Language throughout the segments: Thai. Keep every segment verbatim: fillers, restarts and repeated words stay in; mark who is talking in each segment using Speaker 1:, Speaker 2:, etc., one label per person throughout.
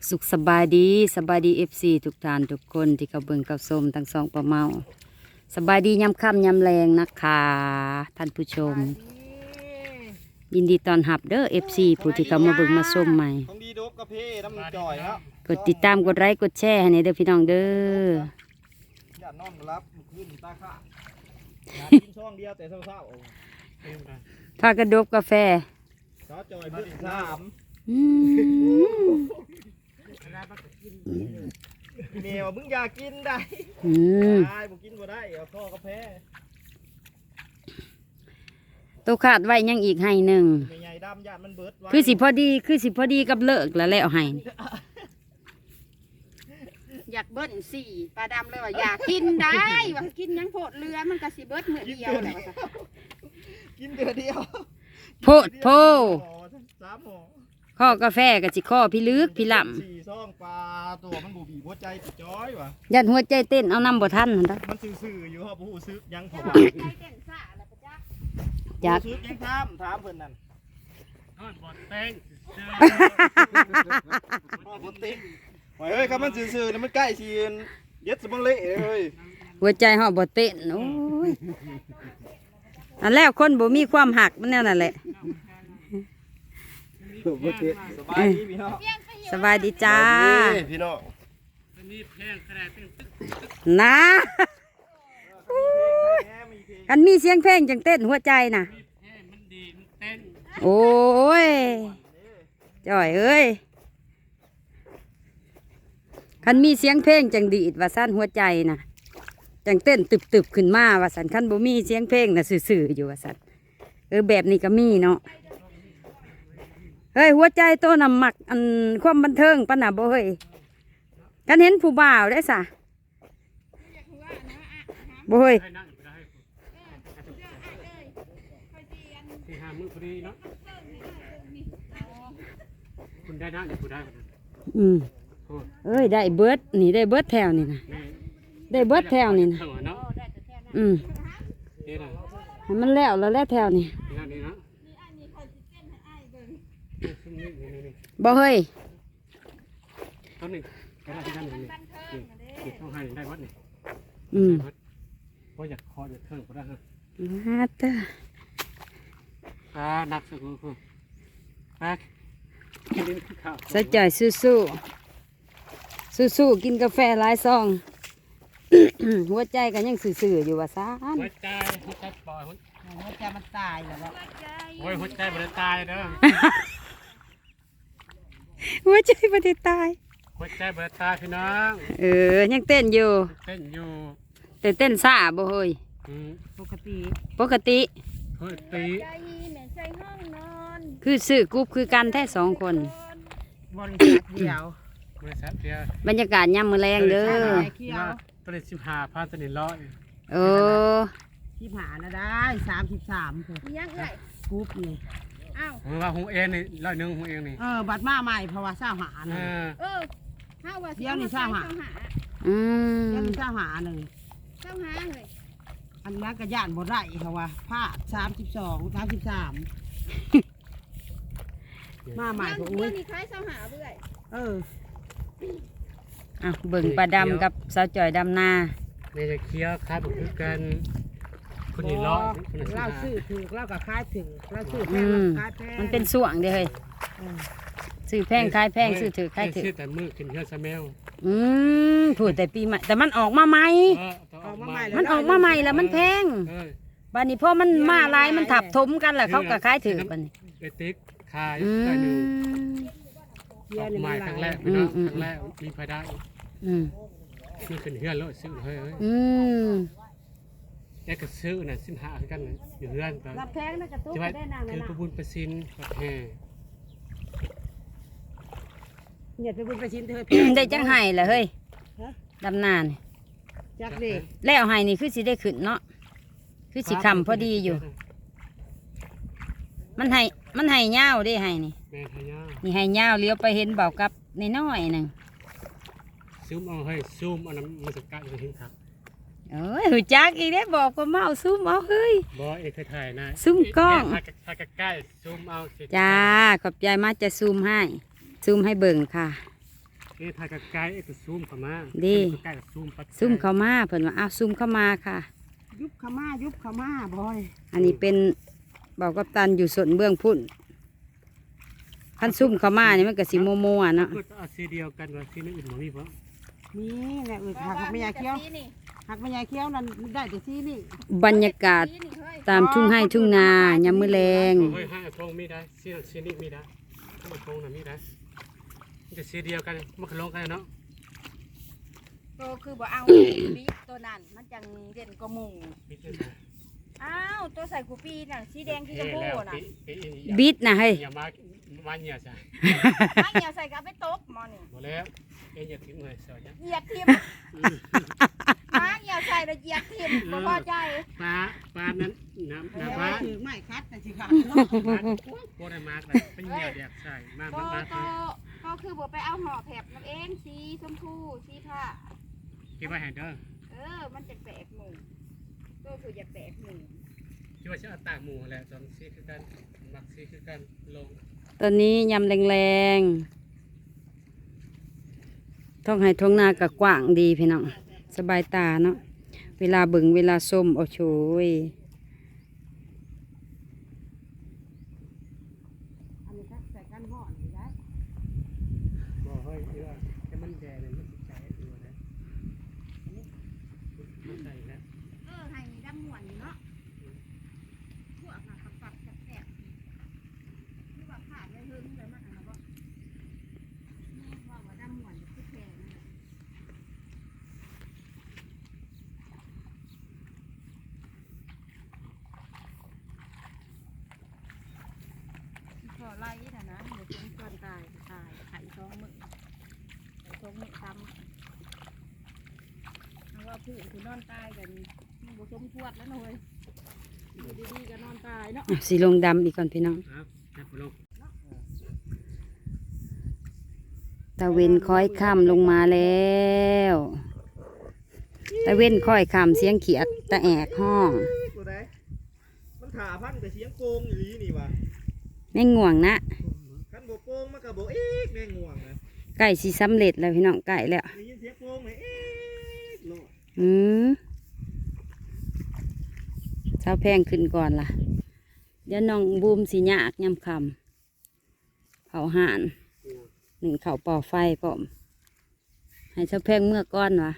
Speaker 1: สุขสบายดีสบายดีเอฟซีทุกท่านทุกคนที่เขาเบิ่งเขาชมทั้งสองประเมาสบายดียำค่ำยำแรงนะคะท่านผู้ชม ยินดีต้อนรับเด้อเอฟซีผู้ที่เขามาเบิ่งมาชมใหม่
Speaker 2: ของดีโดบกาแฟน้ำจ่อยครับ
Speaker 1: กดติดตามกดไลค์กดแชร์ให้ในเด้อพี่น้องเด้อ
Speaker 2: อย่านอนมารับขึ้นตาข้ากินช่องเดียวแต่เศร้าๆ
Speaker 1: พากระดบกาแฟ
Speaker 2: ซอจ่อยเบิ้ลสาม
Speaker 1: อืม
Speaker 2: เมียมึงอยากกินได้
Speaker 1: อืม
Speaker 2: ได้บ่กินบ่ได้เอาข้อกาแฟ
Speaker 1: ตัวขาดไว้ยังอีกให้หนึ่ง
Speaker 2: ใหญ่ๆดำยานมันเบิดไว้
Speaker 1: คือสิพอดีคือสิพอดีกับเลิกแล้วแล้วให้
Speaker 3: อยากเบิ้ลสี่ปลาดำเลยว่าอยากกินได้ว่ากินยังโพดเรือมันก็สิเบิ้ลเหมือนเดียวแหละว่าซะ
Speaker 2: กินเดือเดียว
Speaker 1: โพดโพ
Speaker 2: สามหม้อ
Speaker 1: ข้อกาแฟกับสิข้อพี่ลึกพี่ล่
Speaker 2: สี่ซองปลาตัวมันบูบีหัวใจติดจ้อยว่ะ
Speaker 1: ำยันหัวใจเต้นเอานำบ่ทันนั่นเด้อ
Speaker 2: มันซื่อๆอยู่ครับผู้ซึกยังผม
Speaker 3: ใจเต้นซ่าแล้วปะจ๊ะ
Speaker 1: จัก
Speaker 2: ผู้ซึกยังถามถามเพิ่นนั่น
Speaker 4: นอนบอดแป้ง
Speaker 2: พ่อคนติ๊กโอ้ยเฮ้ยครับมันซื่อๆนี่มันใกล้สิเย็ดสมองเละเฮ้ย
Speaker 1: หัวใจเฮาบ่เต้นโอ้ยอันแล้วคนบ่มีความหักมันแนวนั่นแหละ
Speaker 2: สบายดีพี่น้อง
Speaker 1: สบายดีจ้า
Speaker 2: พี่น้อง
Speaker 4: อันนี้แพงขนาดเป็นตึก
Speaker 1: นะกันมีเสียงเพลงจังเต้นหัวใจน่ะ
Speaker 4: แพงมันดีมันเต้น
Speaker 1: โอ้ยจ่อยเอ้ยคันมีเสียงเพลงจังดีดว่าสั้นหัวใจน่ะจังเต้นตึบๆขึ้นมาว่าสันคันบ่มีเสียงเพลงน่ะซื่อๆอยู่ว่าสันเออแบบนี้ก็มีเนาะเฮ้ยหัวใจโตนำหมักอันความบันเทิงปะน่ะบ่เฮ้ยกันเห็นผู้บ่าวได้สะบ่เฮ้ย
Speaker 4: ให้นั่งได้ที่หามือพอดีเนาะคุณได้นั่งคุณได้
Speaker 1: อืมเอ้ยได้เบิดนี่ได้เบิดแถวนี่นะได้เบิดแถวนี่นะ
Speaker 4: เนาะ
Speaker 1: อืม
Speaker 4: นี่นะ
Speaker 1: ให้มันแล้วแล้วแล้วแถวนี่
Speaker 4: นี่นะนี่นะนี่นี่นี่
Speaker 1: บ่เฮ้ย
Speaker 4: ต้นหนึ่งก็ได้ที่นั่นนี่นี่ต้องให้ได้วัดนี่
Speaker 1: อืม
Speaker 4: เพราะอยากคออยากเทิงก็ได้ฮะ
Speaker 1: มาเตอ
Speaker 4: อ่านักสุดคือแป๊กกินข้าว
Speaker 1: ใส่ใจสู้สู้สู้สู้ๆกินกาแฟหลายซอง หัวใจก็ยังซื่อๆอยู่ว่าซ่าน
Speaker 4: หัวใจหัวใจปล่อยหัว
Speaker 3: หัวใจมันตายแล้วบ่
Speaker 4: โอ้ยหัวใจมันตายเด้อ
Speaker 1: หัวใจบ่ได้ตาย
Speaker 4: หัวใจมันตายพี่น้อง
Speaker 1: เออยังเต้นอยู่
Speaker 4: เต้นอยู่
Speaker 1: แต่เต้นซ่าบ่เฮ้ย
Speaker 4: อืม
Speaker 3: ปกติ
Speaker 1: ปกติ
Speaker 4: เฮ้ยตี
Speaker 3: ใจแม่ใจห้องนอน
Speaker 1: คือซื้อกรุ๊ปคือกันแท้สองคน
Speaker 3: บริษัทเดียว
Speaker 4: บริษัทเดียว
Speaker 1: บรรยากาศยามมื้อแรงเด้อ
Speaker 3: เขียว
Speaker 4: ตัวเลขสิบห้าพันตัวนี้ร้อย
Speaker 1: เออ
Speaker 3: ที่ผ่านนะได้สามสิบสามคือยังเอ้ยกรุ๊ปนี่อ้าว
Speaker 4: ผมว่าหูเองนี่ร้อยหนึ่งหูเองนี่
Speaker 3: เออบัตรมาใหม่เพราะว่าเศร้าหา
Speaker 4: เอ
Speaker 3: น่ะ
Speaker 4: อ
Speaker 3: เออเฮาว่า
Speaker 5: เดี๋ยวนี่เศร้าหา
Speaker 1: อืม
Speaker 5: เดี๋ยวนี้เศร้าหาหนึ่ง
Speaker 3: เศร้าหาเลย
Speaker 5: อันนั้นก็ย่านบ่ได้เพราะว่าผ้าสามสิบสองสามสิบสามมาใหม่
Speaker 3: เดี๋
Speaker 5: ก็
Speaker 3: ยว
Speaker 5: อุ้ย
Speaker 3: นี้คล้ายเศร้าหาเบื่อย
Speaker 5: เออ
Speaker 1: อ่ะเบิ่งปลาดำกับสาวจ่อยดำนา
Speaker 4: ในจะเคี้ยวครับคือกันคนนี้ร้อยคนนี้สิบ
Speaker 5: เล่า
Speaker 4: ห้า
Speaker 5: ซื้อถือเล่ากับคายถือเล่าซื้อแพ
Speaker 1: อื
Speaker 5: ง
Speaker 1: ม
Speaker 5: คายแพง
Speaker 1: มันเป็นส่วงเด้อเฮ้ย
Speaker 5: เออ
Speaker 1: ซื้อแพงขายแพงซื้อถือขายถือ
Speaker 4: ซื้อแต่มือกินเฮือสแมว
Speaker 1: อืมถูกแต่ปีใหม่แต่มันออกมาใหม่
Speaker 4: เออต้องออกมา
Speaker 1: มันออกมาใหม่แล้วมันแพง
Speaker 4: เออ
Speaker 1: บัดนี้พอมันมาหลายมันทับถมกันแล้วเขาก็ขายถือบัดนี้
Speaker 4: ไปติ๊กขาย
Speaker 1: อื
Speaker 4: ได้หนึ่ง
Speaker 1: ม
Speaker 5: เบี
Speaker 4: อย อก
Speaker 5: ร์นี่
Speaker 4: ใหม่
Speaker 5: มัน
Speaker 4: ครั้ง
Speaker 5: ห
Speaker 4: แร
Speaker 5: ลาย
Speaker 4: กพี่น้อง
Speaker 1: อืม
Speaker 4: ครั้งแรกมีไฟได้
Speaker 1: อืม
Speaker 4: นี่ขึ้นเฮือนแล้วซื้อเฮ้ยเฮ้ย
Speaker 1: อืม
Speaker 4: แกก็ซื้อน่ะสิบห้าคือกันเลยอยู่เฮือนตอน
Speaker 5: รับแพงนะกระตุ้น
Speaker 4: จะว่า
Speaker 5: ได้นาง
Speaker 4: คือ
Speaker 5: นะ
Speaker 4: ประบุญประสินกับแห่
Speaker 5: เนี่ยไปบุญไปชินเธอ
Speaker 1: ได้จังไห้ล่ะเฮ้ยดำนานี่
Speaker 5: จักเด็ก
Speaker 1: แล้วไห้นี่คือสิได้ขึ้นเนาะคือสิคำพอดีอยู่ มันให้มันให้ยาวเด้ให้นี่
Speaker 4: แม่ทายา
Speaker 1: นี่ให้ยาวเลี้ยวไปเห็นเบากับน้อยๆหนึง
Speaker 4: ซูมเอาให้ซูมเอาน้ำมันจะกัดจะทิ้งครับ
Speaker 1: เอ้ยหูจักอีกได้บอกว่าเมาซุ่มเอาเฮ้ย
Speaker 4: บอเอกเคยถ่ายนะ
Speaker 1: ซูมกล้อง
Speaker 4: ถ้าถ้าใกล้ๆซูมเอาสิ
Speaker 1: จ้าขอบใจมากจะซูมให้ซูมให้เบิ่งค่ะ
Speaker 4: นี่ถ่ายกับไกลไอ้ตัวซูมเข้ามา
Speaker 1: ดี
Speaker 4: ใกล้กับซูมปัด
Speaker 1: ซุ่มเข้ามาเพิ่นว่าอ้าวซุ่มเข้ามาค่ะ
Speaker 5: ยุบขามายุบขามาบอย
Speaker 1: อันนี้เป็นเบากับตันอยู่ส่วนเบื้องพุ่นขั้นซุ่มเข้ามานี่มันก็สิโมโมอ่ะเนาะ
Speaker 4: ก็เอาสีเดียวกันว่าสีอื่นบ่มีบ่
Speaker 5: มีแหละเออหักไม่ยาเคี้ยวหักไม่ยาเคี้ยวนั่นได้แต่ที่นี่
Speaker 1: บรรยากาศตามทุ่งไร่ทุ่งนายามมื้อแลง
Speaker 4: เฮ้ยให้ทงมีได้สีนั้นสีนี้มีได้ถ้ามันทงน่ะมีได้มันจะสีเดียวกันมันก็ลงกันเนาะ
Speaker 3: โตคือบ่เอาบีบตัวนั้นมันจังเด่นกว่าหมู่
Speaker 4: มีแต่
Speaker 3: อ้าวตัวใส่กูปีน่ะสีแดงที่ชมพูน่ะ
Speaker 1: บิดนะเฮ้ย
Speaker 4: อย่ามามาเนี่ยจ้ะ
Speaker 3: ไม่เหี่ยวใส่กับไปตบหมอนี่
Speaker 4: บ่แล้วเอ็นอย่าทิ้งเลยเสียจ้ะ
Speaker 3: เหยียดทิมมาเหี่ยวใส่แล้วเหยียดทิมบ่พอใจ
Speaker 4: ปลาปลานั้นน้ำน้ำปลา
Speaker 5: ถือไม้คัดแต่สิขาด
Speaker 4: โคตรมากเลยเป็นเหยียดแดกใส่มาก
Speaker 3: ก็
Speaker 4: มาก
Speaker 3: ก็ก็คือบ่ไปเอาห่อแผบมันเองสีชมพูสีผ้า
Speaker 4: คิดว่าแฮนเดอร์
Speaker 3: เออมันจะแปลกหมู่ก็คืออย่าแปลกหมู่
Speaker 4: คิดว่าจะเอาต่างหมู่แหละสองซีคือกันมักซีคือกันลง
Speaker 1: ตอนนี้ยำแรงๆท้องไห้ท้องนาก็กว้างดีพี่น้องสบายตาเนาะเวลาเบิ่งเวลาส้มโอ้โชย
Speaker 5: อันนี้คัดใส่กันห่อนได้
Speaker 4: บอกเฮ้ยเออแค่มันแดงเลยมันติดใจตัวนะมันใส่แล้ว
Speaker 3: เออให้ดำหมวนอยู่เนาะพวกน่ะปักปักแสบๆที่ว่าขาดเลยหึงเลยมันอันนั้นบ่นี่ว่าว่าดำหมวนคือแพงนั่นแหละขอไล่น่ะนะเดี๋ยวเป็นก่อนตายตายไข่ท้องมึงไข่ท้องมึงซ้ำเอาว่าผู้คือนอนตายกันมันบ่สมควรแล้วนะเว้ยอยู่ดีๆก็นอนตายเนาะ
Speaker 1: อ่ะสีลงดำอีกก่อนพี่น้อง
Speaker 4: ครับจับลง
Speaker 1: ตะเวนค่อยค่ำลงมาแล้วตะเวนค่อยค่ำเสียงเขียดตะแอกห้อง
Speaker 2: ตัวใดมันขาพันแต่เสียงโกงอยู่นี่นี่วะ
Speaker 1: แม่งง่วงนะ
Speaker 2: คันโบโกงมันก็โบเอ๊กแม่งง่วงนะ
Speaker 1: ไก่สีสำเร็จแล้วพี่น้องไก่แล้ว
Speaker 2: ได้ยินเสียงโกงเลยเอ๊กโลด
Speaker 1: อืมเช้าแพงขึ้นก่อนล่ะเดี๋ยวน้องบูมสีหยากยำคำเผาห่านหนึ่งเข่าป่อไฟพร้อมให้เช้าแพงเมื่อก้อนวะ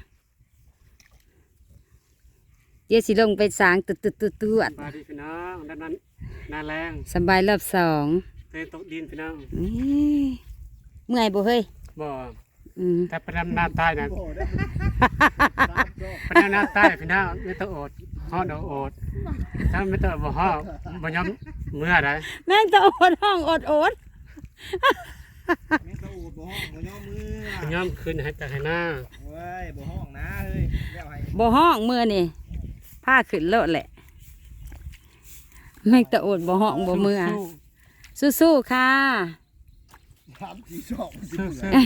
Speaker 1: เดี๋ยวสิลงไปสางตุดตุดตุดตุด
Speaker 4: ปลาดีพี่น้องด้านนั้นนาแรง
Speaker 1: สบายรอบสอง
Speaker 4: เตยตกดินพี่น้อง
Speaker 1: นี่เมื่อยบ่เฮ้ย
Speaker 4: บ่
Speaker 1: อืม
Speaker 4: แต่ประดำนาใต้นะ
Speaker 2: โอ้ได้ตามจบ
Speaker 4: ประดำนาใต้พี่น้องไม่ต้องอดห่อดอกอดถ้าไม่ต้องบ่ห่อบ่ยอมเมื่อไร
Speaker 1: แม่งจะอดห้องอดอด
Speaker 2: แม่งตะอูดบ่ห้องบ่ย่อมือ
Speaker 4: ย้อมขึ้นให้จากให้หน้า
Speaker 2: เว้ยบ่ห้องนะเฮ้ยแล้วให้
Speaker 1: บ่ห้องมือนี่ผ้าขึ้นโลดแหละแม่งจะอดบ่ห้องบ่มือสู้ๆค่ะ
Speaker 2: สามสี่สองสิ
Speaker 4: สู้
Speaker 2: บ
Speaker 4: สู้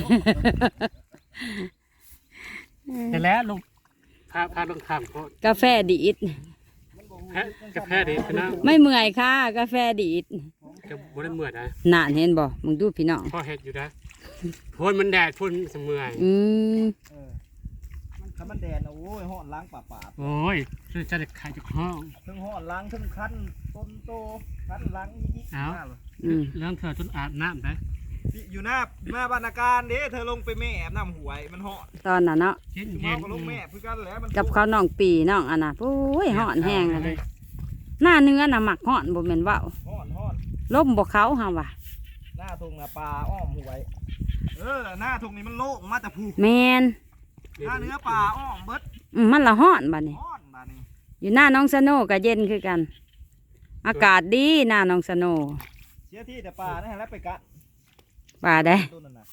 Speaker 4: แต่แล้วลงพาพาลงข้ามโคตร
Speaker 1: กาแฟดีด
Speaker 4: ฮะกาแฟดีพี่น้อง
Speaker 1: ไม่เมื่อยค่ะ กาแฟดีด
Speaker 4: จะบ่ได้เมื่อนะ
Speaker 1: นานเห็นบ่มึงดูพี่น้อง
Speaker 4: พ่อเฮ็ดอยู่นะพ่นมันแดดพ่นเสมื่อย
Speaker 1: อืม
Speaker 2: เออมันคันมันแดดนะโอ้ยห้อนล้างป่าป่า
Speaker 4: โอ้ยคือจะได้ขายจากห้อง
Speaker 2: ทั้งห้อนล้างทั้งคันต้นโตคันล้างยิกๆ
Speaker 4: เอา
Speaker 2: หน้าเลย
Speaker 1: อืม
Speaker 4: เรื่องเธอจนอาบน้ำได้
Speaker 2: อยู่หน้าหน้าบรรณาการเด้เธอลงไปแม่แอบน้ำหวยมันห้อน
Speaker 1: ตอนน่ะเนาะ
Speaker 4: เย็น
Speaker 2: อยู่
Speaker 4: เย็
Speaker 2: เมาน ก็ลงแม่เพื่อกันแหล้วมัน
Speaker 1: กับข้าวน้องปีน้องอันน่ะโอ้ยห่อนแห้งเลยหน้าเนื้อน่ะหมักห่อนบ่แม่นเว้า
Speaker 2: ห้อนห้อน
Speaker 1: ล่มบ่เขาเฮาว่ะ
Speaker 2: หน้าทงน่ะปลาอ้อมหวย เออหน้าทงนี้มันโล่งมาแต่ผู
Speaker 1: แม่น
Speaker 2: หน้าเนื้อปลาอ้อมเบิด
Speaker 1: อืมมันละห่อนบัดนี้
Speaker 2: ห้อนบาดนี้
Speaker 1: อยู่หน้าน้องสโนก็เย็นคือกัน อากาศดีหน้าน้องสโน
Speaker 2: เสียที่แต่ปลานะฮะแล้วไปกัด
Speaker 1: ป่าได้
Speaker 2: ต้นนั่นน่ะ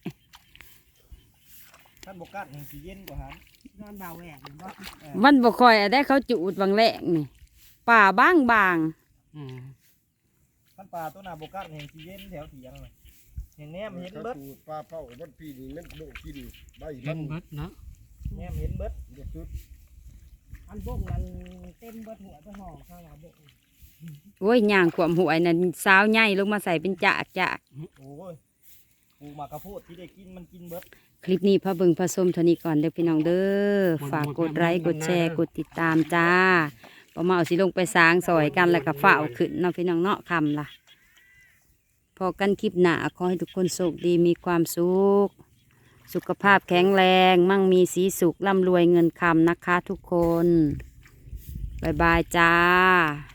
Speaker 2: ท่านบกัดแห่งสีเย็นกว่าหัน
Speaker 5: นอนเบาแหวกบ่
Speaker 1: มันบ่ค่อยได้เขาจูดบางแหลกนี่ป่าบางบาง
Speaker 4: อืม
Speaker 2: ท่านปลาตัวน่ะบกัดแห่งสีเย็นแถวเถียงน่ะแห่งแนมเห็นเบิด
Speaker 6: ปลาเป้าวันปีนี้มันโดกินใบ
Speaker 4: เย็
Speaker 6: มัน
Speaker 4: นเบิดเนาะ
Speaker 2: แนมเห็นเบิด
Speaker 6: เด็ดสุด
Speaker 5: อันบกนั้นเต็มเบิดหัวไปห่อข้าวหลาบก
Speaker 1: โอ้ยย่างขวมหวยนั่นสาวใหญ่ลงมาใส่เป็นจากจาก
Speaker 2: โอ้ยปลูกหมากกระโพดที่ได้กินมันกินเบิด
Speaker 1: คลิปนี้พระเบิงพระส้มเท่านี้ก่อนเด้อพี่น้องเด้อฝากกดไลค์กดแชร์กดติดตามจ้าพอมาเอาสิลงไปสร้างซอยกันแล้วก็ฝ้าเอาขึ้นเนาะพี่น้องเนาะคำล่ะพอกันคลิปหน้าขอให้ทุกคนโชคดีมีความสุขสุขภาพแข็งแรงมั่งมีสีสุขร่ำรวยเงินคำนะคะทุกคนบ๊ายบายจ้า